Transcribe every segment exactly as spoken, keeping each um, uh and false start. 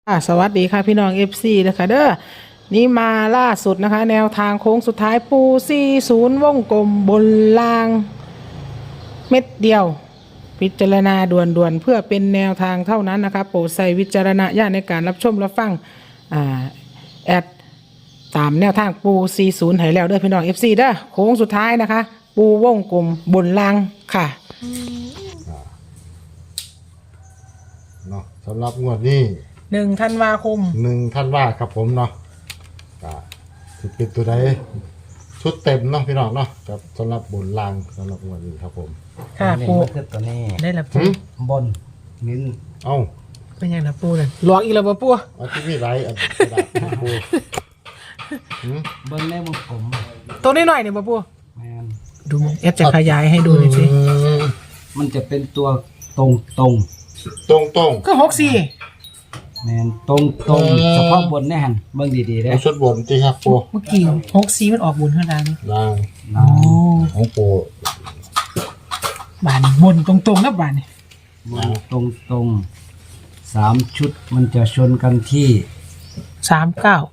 ค่ะสวัสดีค่ะพี่น้อง เอฟ ซี นะคะเด้อนี่มาล่าสุดนะคะแนวทางโค้งสุดท้ายปูสี่สิบวงกลมบนล่างเม็ดเดียวพิจารณาด่วนๆเพื่อเป็นแนวทางเท่านั้นนะคะโปรดใส่วิจารณญาณในการรับชมรับฟังอ่าแอดตามแนวทางปูสี่สิบให้แล้วเด้อพี่น้อง เอฟ ซี เด้อโค้งสุดท้ายนะคะปูวงกลมบนล่างค่ะเนาะสำหรับงวดนี้หนึ่งธันวาคมหนึ่งท่านว่าครับผมเนาะก็ถือเป็นตัวใดชุดเต็มเนาะพี่น้องเนาะกับสำหรับบนลางสำหรับงวดนี้ครับผมค่ะปูคือตัวนี้ได้ละปูบนนิ้นเอ้าเป็นยังละปูเลยหลอกอีกแล้วปูอันที่มีไรอันกระดาษปูบนในวงกลมตัวนี้หน่อยเนี่ยปูแมนดูมึงเอฟจะขยายให้ดูหน่อยสิมันจะเป็นตัวตรงตรงตรงตรงก็หกสี่แมนตรงตรงเฉพาะบนแน่หันเบิ่งดีๆได้ชุดบนที่ครับปูเมื่อกี้หกสี่มันออกบนเท่านั้นลางอ๋อของปูบานบนตรงๆนะบานนี่บนตรงตรงสามชุดมันจะชนกันที่สามเก้า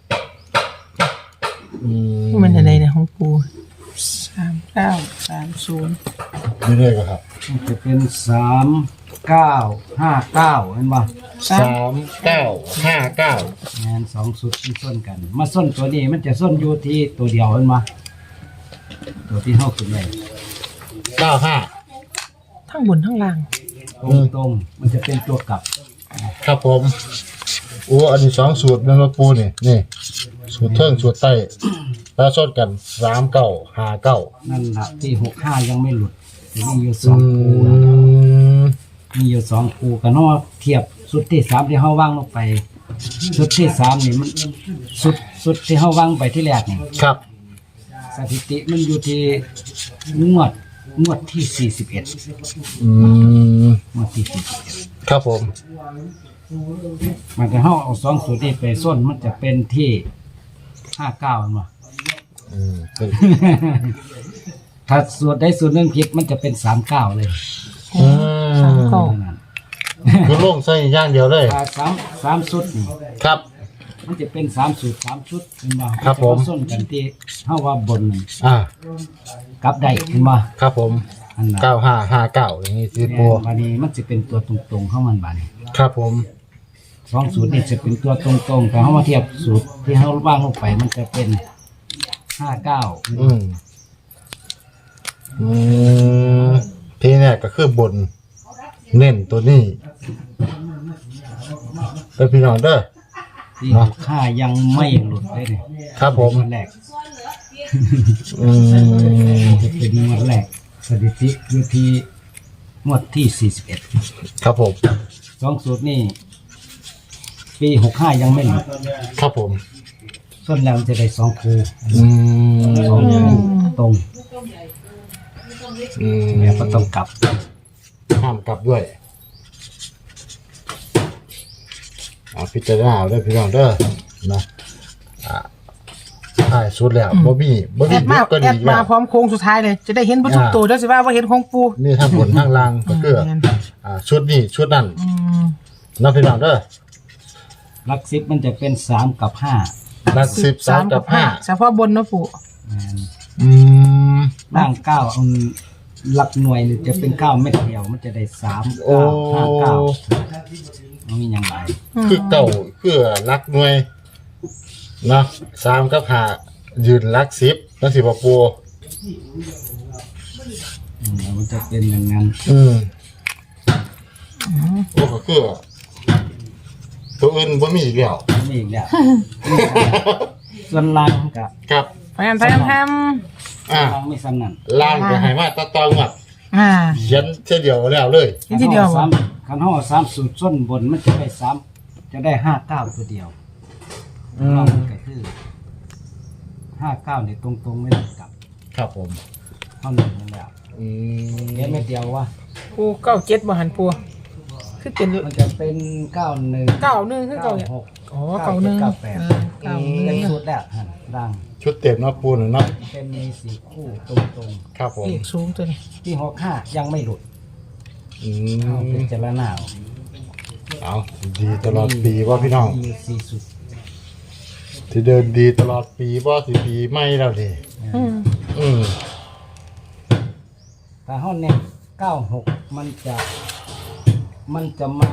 อืมมันอะไรเนี่ยของปูสามเก้าสามศูนย์นี่เลยครับมันจะเป็นสามเก้าห้าเก้าเห็นป่ะสามเก้าห้าเก้าแมนสองชุดมันส้นกันมาส้นตัวนี้มันจะส้นอยู่ที่ตัวเดียวเห็นป่ะตัวที่เท่าขึ้นเลยเก้าห้าทั้งบนทั้งล่างตรงตรงมันจะเป็นตัวกลับครับผมโอ้อันนี้สองสูตรนั่นว่าปูนี่นี่สูตรเทิงสูตรใต้แล้วชดกันสามเก้าห้าเก้านั่นแหละที่หกห้ายังไม่หลุดมีอยู่สองคูมีอยู่สองคูกันเนาะเทียบสุดที่สามที่เขาวางลงไปสุดที่สามนี่มันสุดสุดที่เขาวางไปที่แรกนี่ครับสถิติมันอยู่ที่งวดงวดที่สี่สิบเอ็ดอืมงวดที่สี่สิบเอ็ดครับผมมันจะเขาเอาสองสูตรนี้ไปส้นมันจะเป็นที่ห้าเก้ามั้งอืมถ้าสูตรได้สูตรหนึ่งผิดมันจะเป็นสามเก้าเลยอืมคือลงใส่ย่างเดียวเลยถ้าสามสามชุดนี่ครับมันจะเป็นสามสูตรสามชุดเห็นบ่ครับผมส้นกันที่เท่าว่าบนอ่ากับได้เห็นบ่ครับผมเก้าห้าห้าเก้าอย่างนี้สิปูบานี้มันจะเป็นตัวตรงๆเข้ามันบานี้ครับผมสองสูตรนี่จะเป็นตัวตรงๆแต่เขามาเทียบสูตรที่เขาวางลงไปมันจะเป็นห้าเก้าอืมอืมทีนี้ก็คือบนเน้นตัวนี้เป็นพี่น้องเด้อที่ค่ายังไม่หลุดเลยเนี่ยครับผมแรกอืมจะเป็นงวดแรกสถิติอยู่ที่งวดที่สี่สิบเอ็ดครับผมสองสูตรนี่ปีหกห้ายังไม่หลุดครับผมส่วนแล้วจะได้สองคูอืมสองคูตรงอืมแล้วก็ต้องกลับห้ามกลับด้วยเอาพิจารณาด้วยพี่น้องเด้อนะอ่าใช่สุดแล้วบ่มีบ่มีมาแอดมาพร้อมโค้งสุดท้ายเลยจะได้เห็นประตูตัวด้วยสิว่าว่าเห็นของปูนี่ทางบนทางล่างก็คืออ่าชุดนี้ชุดนั้นนะพี่น้องเด้อหลักสิบมันจะเป็นสามกับห้าหลักสิบสามกับห้าเฉพาะบนนะปู่อืมล่างเก้าหลักหน่วยจะเป็นเก้าเม็ดเดียวมันจะได้สามเก้าห้าเก้ามันมีอย่างไรคือเก่าคือหลักหน่วยเนาะสามกับห้ายืนหลักสิบแล้วสิบปูมันจะเป็นอย่างนั้นอืมโอ้ก็คือตัวอื่นบ่มีอีกแล้วมีอีกแล้วส่วนล่างกับครับแพมแพมแพมอ่าล่างไม่ซ้ำนั่นล่างก็ให้มาตะตองอ่ะอ่าเขียนเช่นเดียวแล้วเลยทีเดียวสามคันห่อสามสูตรส้นบนมันจะได้สามจะได้ห้าเก้าตัวเดียวล่างก็คือห้าเก้าเนี่ยตรงๆไม่ต้องกลับครับผมเท่านั้นแล้วอืมแค่เม็ดเดียววะปูเก้าเจ็ดบ่หันปูคือเป็นมันจะเป็นเก้าหนึ่งเก้าหนึ่งคือเก้าหกอ๋อเก้าหนึ่งเก้าแปดเก้าเป็นชุดแล้วดังชุดเต็มเนาะปูนเนาะเป็นมีสี่คู่ตรงๆครับผมสูงตัวนี้ที่หกห้ายังไม่หลุดอืมเป็นเจรนาเอาดีตลอดปีว่าพี่น้องมีสี่สุดที่เดินดีตลอดปีว่าสิปีไม่แล้วดิอืมอืมแต่ห้องเนี่ยเก้าหกมันจะมันจะมา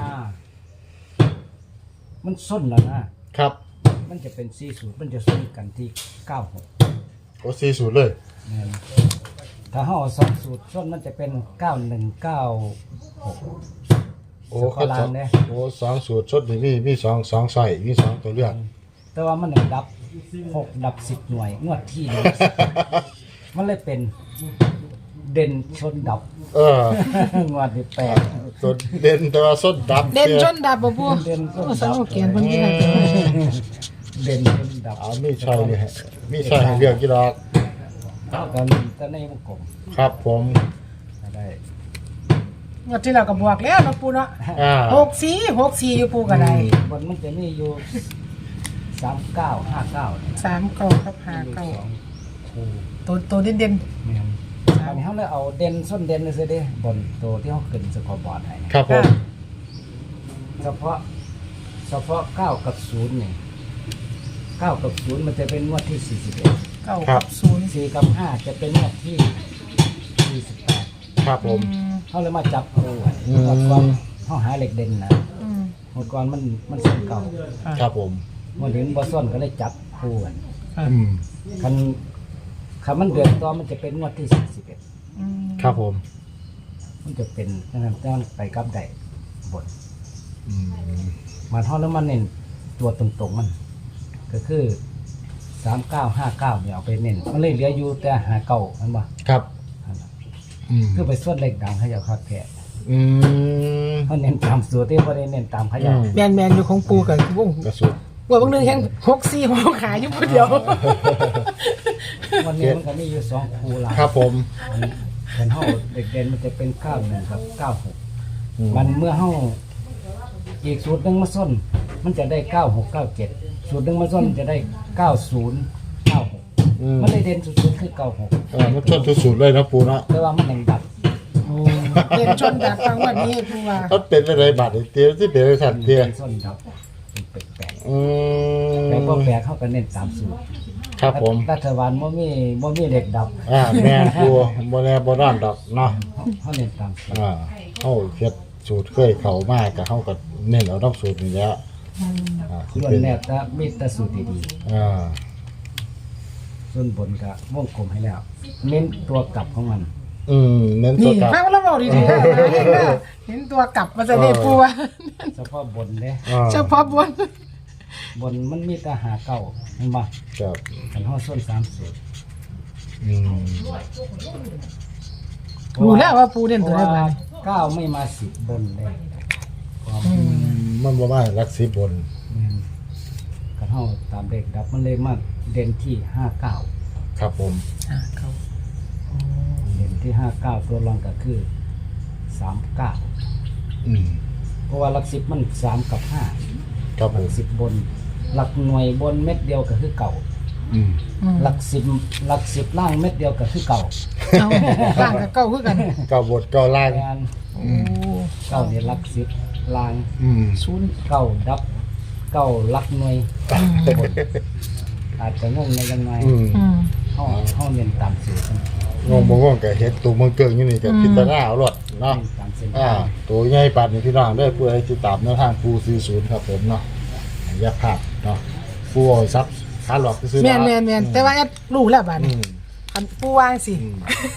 มันส้นแล้วนะครับ มันจะเป็นสี่สูตรมันจะส้นกันที่เก้าหกโอ้สี่สูตรเลยถ้าห้าสองสูตรส้นมันจะเป็นเก้าหนึ่งเก้าหกโอ้สเขากอสลาองนเนี่ยโอ้สองสูตรชดนี่มีมีสองสองใส่มีสองตัวเลือกแต่ว่ามันหนึ่งดับหกดับสิบหน่วยงวดที่หนึ่งมันเลยเป็นเด่นชนดับเอองวดที่แปดตัวเด่นแต่ว่าส้นดับเด่นจนดับบ่ปูเด่นชนโอ้สดัโลบแกนเพิ่นที่นั่นเด่นชนดับเอามีใช่เลยฮะมีใช่ให้เลือกกี่ดอกกันจะในวงกลมครับผมก็ได้งวดที่เราก็บวกแล้วเนาะปูเนาะอ่าหกสี่หกสี่อยู่ปูก็ได้บนมันจะมีอยู่สามเก้าห้าเก้าสามเก้าครับห้าเก้าคู่ตัวตัวเด่นเด่นแม่นอันนี้เขาเลยเอาเด่นส้นเด่นเลยสิเด้บนตัวที่เขาขึ้นสกอร์บอร์ดให้นะครับผมเฉพาะเฉพาะเก้ากับศูนย์นี่เก้ากับศูนย์มันจะเป็นงวดที่สี่สิบเอ็ดเก้ากับศูนย์สี่กับห้าจะเป็นงวดที่สี่สิบแปดครับผมเขาเลยมาจับคู่ไว้อืมหมดก่อนเขาหาเหล็กเด่นนะอืมหมดก่อนมันมันส้นเก่าครับผมหมดถึงบอส้นก็เลยจับคู่กันอืมคันคันมันเดือนต่อมันจะเป็นงวดที่สี่สิบเอ็ดอืมครับผมมันจะเป็นนั่นนั่นไปกับได้บทอืมมาทอดแล้วมันเน้นตัวตรงๆมัน ก็คือสามเก้าห้าเก้าเนี่ยเอาไปเน้นมันเลยเหลืออยู่แต่หาเก่ามันบ่ครับอืมคือไปส่วนเล็กดังเขาจะคัดแผลอืมเขาเน้นตามสูตรที่เขาได้เน้นตามเขาอืจะมแมนแมนอยู่ของปูกับวงกระสุนว่าบางนึงแค่หกสี่หกขายอยู่คนเดียววันนี้มันก็มีอยู่สองคูหลายครับผมเป็นห้าเด็กเด่นมันจะเป็นเก้าหนึ่งกับเก้าหกอืมมันเมื่อห้าอีกสูตรหนึ่งมาส้น มันจะได้เก้าหกเก้าเจ็ดสูตรหนึ่งมาส้นจะได้เก้าศูนย์เก้าหกอืมมันเลยเด่นสุดๆคือเก้าหกเออมันชนทุกสูตรเลยนะปูเนาะแต่ว่ามันยังดับโอ้เด่นชนดับฟังวันนี้ปูว่ามันเป็นอะไรบาดเตี้ยที่เป็นอะไรสันเตี้ยเป็นส้นดับเป็นแปลกอืมๆแต่พอแปลกเข้ากันเน้นตามสูตรครับผมรัฐบาลว่ามีว่ามีเหล็กดับอ่าแม่ปูโมแนโบราณดอกเนาะเขาเน้นตามสูตรอ่าเขาเฮ็ดสูตรเคยเข้ามากกับเขาก็เน้นเอาน้ำสูตรนี่แหล้วอ่าที่ส่วนเป็นแรกจะมีแต่สูตรดีอ่าๆส่วนบนก็วงกลมให้แล้ว เน้นตัวกลับของมันอืมเน้นตัวนี่กลับฟังแล้วบอกดีๆนะเห็นแล้วเห็นตัวกลับมาจะได้ปูว่าเฉพาะบนเนี่ยอ่าเฉพาะบนบนมันมีแต่หาเก่าเห็นบ่ครับขันห้อส้นสามสูตรอืมรู้แล้วว่าปูเด่นเพตัวราะไหนว่าบ้างเก้าไม่มาสิบบนเลยความมันบ่มารักสิบบนขันห้อตามเด็กดับมันเลยมาเด่นที่ห้าเก้าครับผมอ่าเขาเด่นที่ห้าเก้าตัวรองก็คือสามเก้าอืมเพราะว่าหลักสิบมันสามกับห้าครับหผลัมกสิบบน หลักหน่วยบนเม็ดเดียวก็คือเก่าอืมอืมหลักสิบหลักสิบล่างเม็ดเดียวก็คือเก่าเอาล่างกับเก้าคือกันเก้าบทเก้าล่างงานโอ้เก่าเนี่ยหลักสิบล่างอืมศูนย์เก่าดับเก่าหลักหน่วยบนอาจจะงงในยังไงอืมอืมห้องห้องเรียนตามสูตรงงบ่งงก็เฮ็ดตัวเมืองเกิงอยู่นี่ก็พิจารณาเอารถเนาะเรียนตามเส้นอ่าทางตัวใหญ่ปัดนี่พี่น้องได้เพื่อให้ติดตามแนวทางปูสี่สิบครับผมเนาะอย่าพลาดเนาะปูเอาซับขาหลอกซื้อแมนแมนแมนแต่ว่าแอดรู้แล้วบ้านอืมอันปูวางสิอืม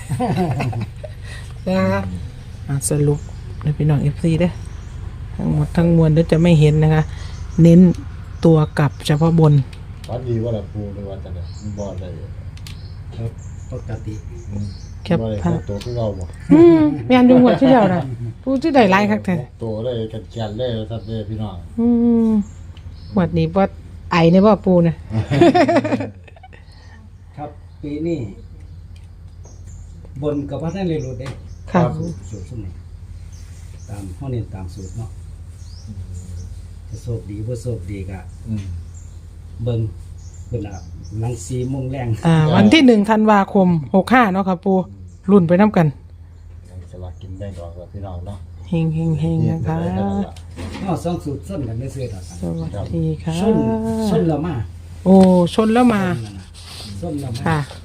นะคะอ่ะสรุปในพี่น้องเอฟซีเด้อทั้งหมดทั้งมวลเดี๋ยวจะไม่เห็นนะคะ เน้นตัวกลับเฉพาะบนวัดดีว่าละปูในวันจันทร์บ่ได้ปกติอืมแคปบ่ได้ภาพตัวคือเราบ่อืมแมนดูหมดที่เดียวนะปูที่ได้ไลายคักแท้ตัวได้กันแก่นเลยซัดเด้อพี่น้องอืมหวัดนี้ว่าไอเนี่ยว่าปูนะครับปีนี้บนกับพระท่านเรียนรู้ได้ค่ะสูตรสูตรสุ่มนี่ตามห้องเรียนตามสูตรเนาะจะโชคดีว่าโชคดีกะอืมเบิ่งเพิ่นอ่ะหลังสี่โมงแรงอ่า วันที่หนึ่งธันวาคมหกห้าเนาะค่ะปูรุ่นไปน้ำกันสลากกินแบ่งออกแล้วพี่น้องเนาะเเฮงเฮงเฮงนะคะเอาสองสูตรส้นกันไม่เสื่อมกันสวัสดีค่ะส้นส้นละมาโอ้ชนแล้วมาส้นละมาค่ะ